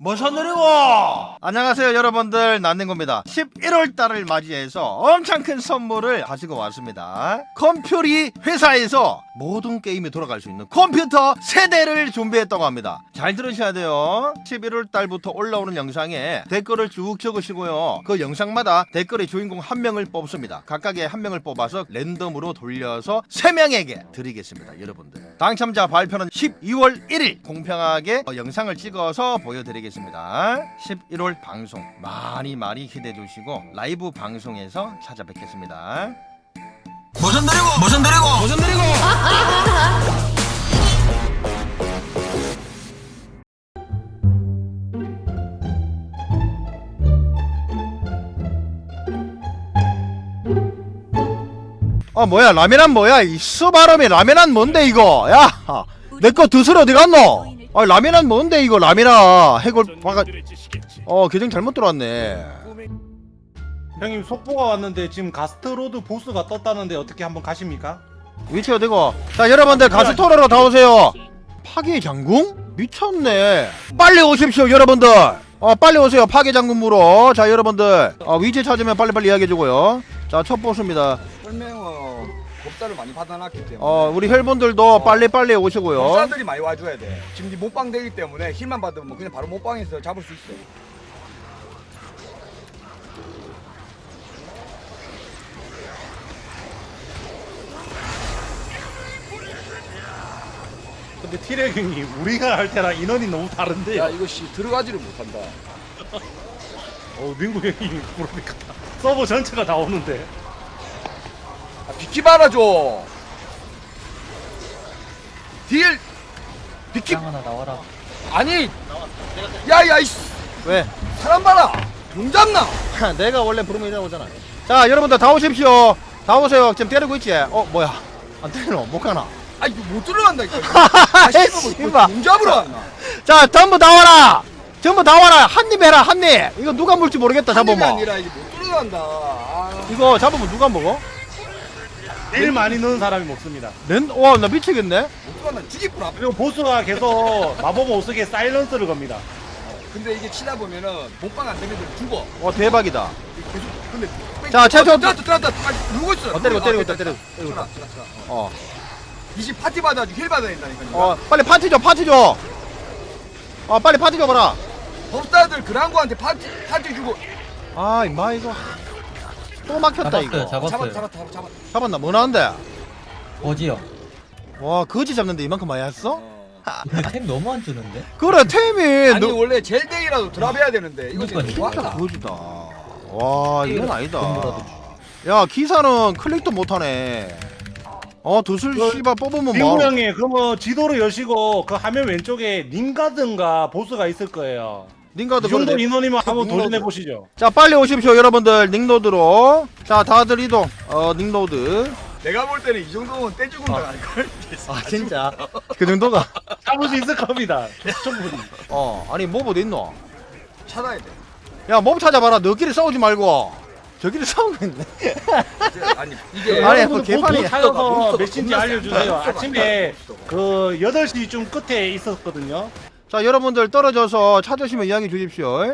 뭐서 느리고. 안녕하세요 여러분들, 난닝고입니다. 11월달을 맞이해서 엄청 큰 선물을 가지고 왔습니다. 컴퓨리 회사에서 모든 게임이 돌아갈 수 있는 컴퓨터 세대를 준비했다고 합니다. 잘 들으셔야 돼요. 11월달부터 올라오는 영상에 댓글을 쭉 적으시고요, 그 영상마다 댓글의 주인공 한 명을 뽑습니다. 각각의 한 명을 뽑아서 랜덤으로 돌려서 3명에게 드리겠습니다. 여러분들 당첨자 발표는 12월 1일 공평하게 영상을 찍어서 보여드리겠습니다. 11월 방송 많이 기대해 주시고 라이브 방송에서 찾아뵙겠습니다. 뭐서 느리고. 뭐야, 라면한 뭐야? 이 수바람에 라면한 뭔데 이거? 야, 내 거 드스러 어디 갔노? 라면한 뭔데 이거? 라면아 해골 바가 계정 잘못 들어왔네. 형님 속보가 왔는데 지금 가스트로드 보스가 떴다는데 어떻게 한번 가십니까? 위치 어디고? 자 여러분들 가스토로로 다 오세요. 파괴 장궁? 미쳤네. 빨리 오십시오 여러분들. 빨리 오세요. 파괴 장궁 물어. 자 여러분들 위치 찾으면 빨리빨리 이야기해주고요. 자 첫 보스입니다. 설명은 법사를 많이 받아놨기 때문에 우리 혈분들도 빨리빨리 오시고요. 법사들이 많이 와줘야 돼. 지금 네 못방 되기 때문에 힐만 받으면 그냥 바로 못방에서 잡을 수 있어. 근데 티렉 형님 우리가 할 때랑 인원이 너무 다른데요. 야 이거 씨 들어가지를 못한다. 민구 형님 그러니까 서버 전체가 다 오는데. 비키 말아줘. 딜 비키 하나 나와라. 아니 야야 이씨 왜? 사람 봐라. 용 잡나? 내가 원래 부르면 이러고 오잖아. 자 여러분들 다 오십시오. 다 오세요. 지금 때리고 있지? 뭐야 안 때리노? 못 가나? 아 이거 못 들어간다니까. 아 씨발 용 잡으러 왔나? 자 전부 다 와라. 전부 다 와라. 한 입 해라. 한 입. 이거 누가 물지 모르겠다. 한 입이 잡으면 아니라 이게 못 들어간다. 아. 이거 잡으면 누가 먹어? 제일 많이 넣은 사람이 먹습니다. 와 나 미치겠네. 못 들어간다. 죽이구나. 그리고 보스가 계속 마법 못 쓰게 사일런스를 겁니다. 근데 이게 치다 보면은 못방 안 되면 죽어. 대박이다. 계속 근데 자, 최초- 들어왔다. 아, 누르고 있어. 때리고 있다. 이집 파티 받아가지고 힐 받아야 된다니까. 빨리 파티 줘. 빨리 파티 줘봐라. 법사들 그랑고한테 파티 주고. 임마 이거 또 막혔다 이거. 잡았어요. 잡았나? 뭐 나온대? 어지요. 와 거지 잡는데 이만큼 많이 했어? 템 너무 안 주는데? 그래 템이 아니 원래 젤데이라도 드랍해야 되는데 이거 지금 그러니까요. 뭐 진짜 하나? 거지다. 와 이건 아니다. 돈이라도 야 기사는 클릭도 못하네. 두술 씨발 뽑으면 민구 뭐 형님 그러면 지도를 여시고 그 화면 왼쪽에 닌가든가 보스가 있을 거예요. 닌가도 이 정도 그래. 인원이면 한번 닌가드. 도전해 보시죠. 자 빨리 오십시오 여러분들. 닉노드로. 자 다들 이동. 닉노드. 내가 볼 때는 이 정도면 떼죽은 거 아닐걸? 진짜 그 정도가. 잡을 수 있을 겁니다. 충분히. 아니 몹 어디 있노? 찾아야 돼. 야 몹 찾아봐라. 너끼리 싸우지 말고 저끼리 싸우고 있네. 아니 이게 아니, 여러분들 그 개판이- 보스 찾아서 몬스터가 몇 시인지 겁나 알려주세요. 세. 아침에 몬스터가. 그 8시 좀 끝에 있었거든요. 자 여러분들 떨어져서 찾으시면 이야기 주십시오.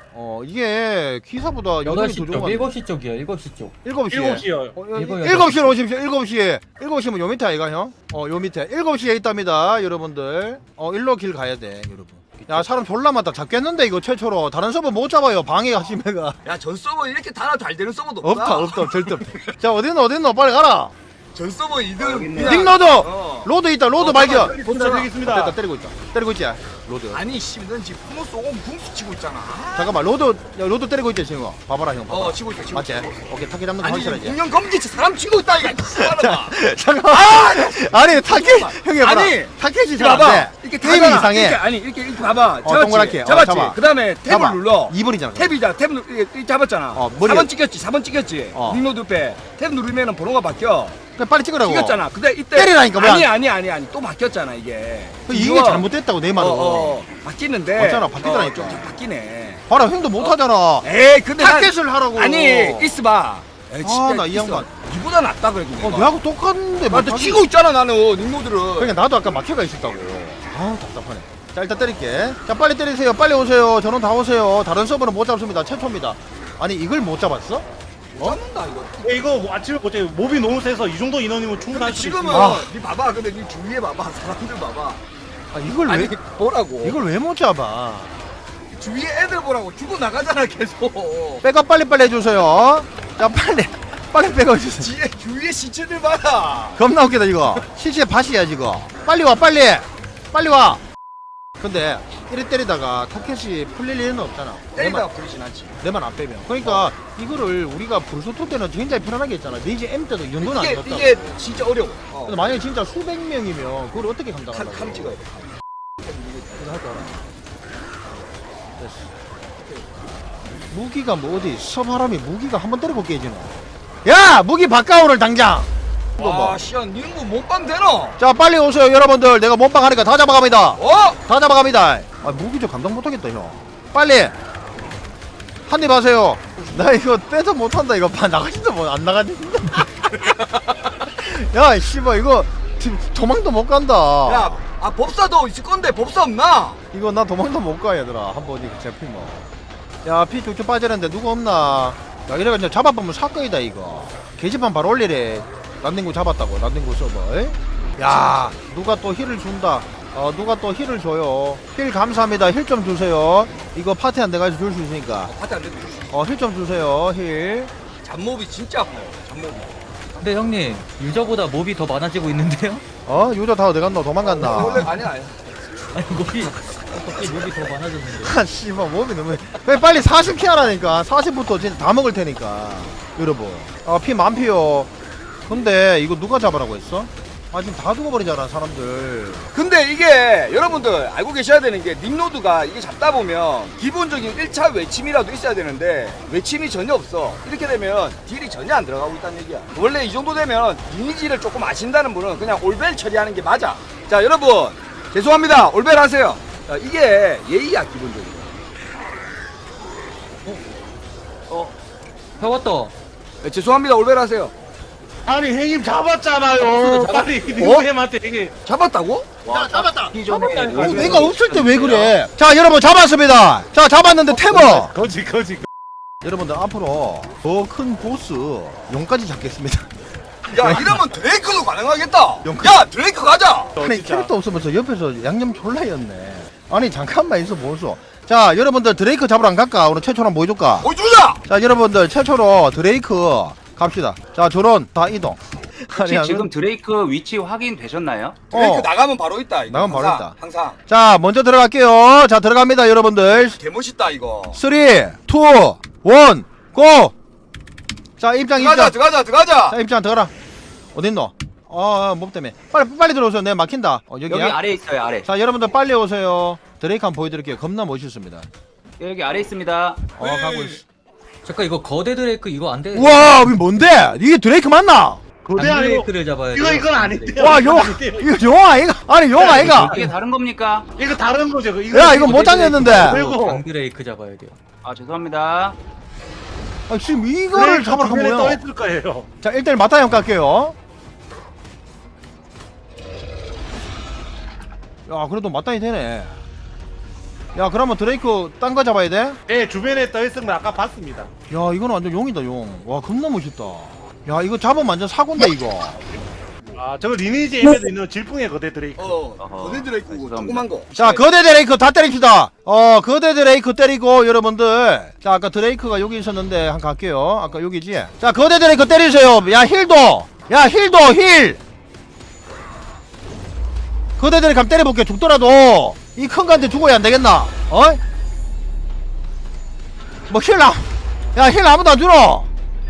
이게 기사보다 여덟이 8시 더 쪽, 좋은 거 7시 쪽이요. 7시 쪽. 7시에 7시요. 7시에 오십시오. 7시면 요 밑에 아이가 형? 요 밑에 7시에 있답니다 여러분들. 일로 길 가야 돼 여러분. 야 사람 졸라 많다. 잡겠는데 이거 최초로. 다른 서버 못 잡아요. 방해하시면가. 야전 서버 이렇게 달아 잘 되는 서버도 없다. 없다 절대 없다. 자 어딨노 빨리 가라. 전 서버 2등. 닉노드 로드 있다. 로드 발견. 도착하겠습니다. 때리고 있지 로드. 아니 씨, 넌 지금 프로스 오금 궁수 치고 있잖아. 잠깐만 로드 때리고 있지 지금. 봐봐라 형. 봐봐. 치고 있어. 맞지? 오케이 타겟 잡는 거 아니 확실하지? 공룡 검지치 사람 치고 있다 이거. 잠깐만. 아니 타겟 형이 봐라. 아니, 타겟이 이렇게 잘 봐봐. 안돼. 이렇게 게임이 타봐. 이상해. 이렇게 봐봐. 동그랗게. 잡았지. 잡아. 그다음에 탭을 봐봐. 눌러. 2번이잖아. 탭이다. 탭 잡았잖아. 머리가- 4번 찍혔지. 어. 닉노드 빼. 탭 누르면은 번호가 바뀌어. 그냥 빨리 찍으라고. 찍혔잖아. 근데 이때 때리라니까, 왜 아니 또 바뀌었잖아 이게. 이게 이거- 잘못됐다고 내 말은. 바뀌는데. 맞잖아, 바뀌더라니까. 좀 바뀌네. 봐라 형도 못하잖아. 에이 근데 타겟을 하라고. 아니 있어봐. 나이 양반. 니보다 낫다 그래도 내가. 내하고 똑같은데 나한테 치고 있잖아 나는 닉노드를. 그러니까 나도 아까 막혀가 있었다고. 답답하네. 자 일단 때릴게. 자 빨리 때리세요. 빨리 오세요. 저는 다 오세요. 다른 서버는 못 잡습니다. 최초입니다. 아니 이걸 못 잡았어? 잡는다 이거. 이거 아침에 보자. 몹이 너무 세서 이 정도 인원이면 근데 충분할 수 지금은 있습니다. 니 봐봐. 근데 니 주위에 봐봐. 사람들 봐봐. 아 이걸 아니 왜 보라고. 이걸 왜 못 잡아? 주위에 애들 보라고 죽어 나가잖아 계속. 백업 빨리빨리 해주세요. 자 빨리 백업 해주세요. 뒤에 주위에 시체들 봐라. 겁나 웃기다 이거. 실제 밭이야 지금. 빨리 와 빨리 와. 근데 이리 때리다가 타켓이 풀릴 일은 없잖아. 때리다가 부리진 않지. 내만 안 빼면. 그러니까 이거를 우리가 불소토 때는 굉장히 편안하게 했잖아. 네이지 M 때도 이 정도는 이게 아니었다. 이게 진짜 어려워. 근데 만약에 진짜 수백 명이면 그걸 어떻게 감당하려고? 칼 찍어야 돼. 이거 할 줄 알아? 됐어. 무기가 뭐 어디 서바람이 무기가 한 번 때리고 깨지노. 야 무기 바꿔오를 당장. 이거 뭐. 와, 씨야, 니는 뭐 몸빵 되노? 자 빨리 오세요 여러분들. 내가 몸빵 하니까 다 잡아갑니다. 어? 다 잡아갑니다. 아 무기 좀 감당 못하겠다 형. 빨리 한입 하세요. 나 이거 빼도 못한다. 이거 봐 나가지도 안 나가지. 야 씨발 이거 도망도 못 간다. 야, 아 법사도 있을 건데 법사 없나? 이거 나 도망도 못 가 얘들아. 한번 이거 잡히면. 야 피 쭉쭉 빠지는데 누구 없나? 야 이래가 이제 잡아보면 사건이다 이거. 게시판 바로 올리래. 란딩구 잡았다고. 란딩구 서버. 야 누가 또 힐을 준다. 누가 또 힐을 줘요. 힐 감사합니다. 힐 좀 주세요. 이거 파티 안 돼가지고 줄 수 있으니까. 파티 안 돼도 줄수 힐 좀 주세요. 힐. 잡몹이 진짜 아파요. 잡몹이. 근데 형님 유저보다 몹이 더 많아지고 있는데요? 유저 다 어디 갔노? 도망갔나? 원래 아니야. 아니 몹이 어떻게 몹이 더 많아졌는데? 아 씨발 몸이 너무 왜 빨리 40피 하라니까. 40부터 진짜 다 먹을 테니까 여러분. 피 만피요. 근데 이거 누가 잡으라고 했어? 지금 다 죽어버리잖아 사람들. 근데 이게 여러분들 알고 계셔야 되는 게 닉노드가 이게 잡다 보면 기본적인 1차 외침이라도 있어야 되는데 외침이 전혀 없어. 이렇게 되면 딜이 전혀 안 들어가고 있다는 얘기야. 원래 이 정도 되면 리니지를 조금 아신다는 분은 그냥 올벨 처리하는 게 맞아. 자 여러분 죄송합니다. 올벨 하세요. 자, 이게 예의야 기본적으로. 배웠다. 네, 죄송합니다. 올벨 하세요. 아니 형님 잡았잖아요. 빨리 님한테 이게 잡았다고? 잡았다. 잡았다니까. 내가 없을 때 왜 그래? 자 여러분 잡았습니다. 자 잡았는데 태버. 거지. 여러분들 앞으로 더 큰 보스 용까지 잡겠습니다. 야 이러면 드레이크도 가능하겠다. 영- 야 드레이크 가자. 아니 진짜. 캐릭터 없으면서 옆에서 양념 졸라였네. 아니 잠깐만 있어 보소. 자 여러분들 드레이크 잡으러 안 갈까? 오늘 최초로 한번 보여줄까? 보여주자. 자 여러분들 최초로 드레이크 갑시다. 자 저런 다 이동. 혹시 지금 드레이크 위치 확인되셨나요? 드레이크 나가면 바로 있다. 이거. 나가면 바로 항상, 있다. 항상. 자 먼저 들어갈게요. 자 들어갑니다 여러분들. 개멋있다 이거. 3, 2, 1, 고! 자 입장. 들어가자. 자 입장 들어가라. 어딨노? 몹 때문에. 빨리 들어오세요. 내가 막힌다. 여기 여기야? 아래 있어요, 아래. 자 여러분들 빨리 오세요. 드레이크 한번 보여드릴게요. 겁나 멋있습니다. 여기 아래 있습니다. 가고 있어. 잠깐 이거 거대 드레이크 이거 안 돼. 우와 이게 뭔데? 이게 드레이크 맞나? 거대 아니고 드레이크를 잡아야 돼. 이건 아닌데요. 와 용! 이거 용 아이가? 아니 용 아이가? 이게 다른 겁니까? 이거 다른 거죠. 야 이거 못 당했는데. 그리고- 강 드레이크 잡아야 돼요. 아, 죄송합니다. 지금 이거를 잡으러 간 떠 거야. 있을 거예요. 자 1대1 맞다형 갈게요. 야 그래도 맞다이 되네. 야 그러면 드레이크 딴 거 잡아야 돼? 네, 주변에 떠 있은 거 아까 봤습니다. 야 이거는 완전 용이다 용. 와 겁나 멋있다. 야 이거 잡으면 완전 사고인데 이거. 아, 저거 리니지 M에도 있는 질풍의 거대 드레이크. 거대 드레이크 죄송합니다. 조그만 거. 자 거대 드레이크 다 때립시다. 거대 드레이크 때리고 여러분들. 자 아까 드레이크가 여기 있었는데 한번 갈게요. 아까 여기지. 자 거대 드레이크 때리세요. 야 힐도. 야 힐도 힐. 거대 드레이크 한번 때려볼게. 죽더라도 이 큰 거한테 죽어야 안 되겠나? 뭐 힐 나. 야 힐 아무도 안 주노.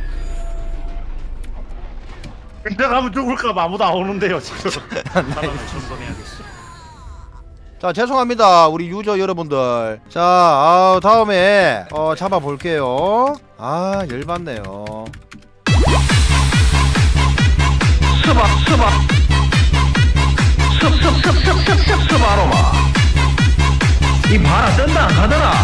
근데 가면 죽을까 봐 아무도 안 오는데요, 지금. 자 죄송합니다 우리 유저 여러분들. 자 다음에 잡아볼게요. 열받네요. 스바로마 이 바라 뜬다 안 가더라.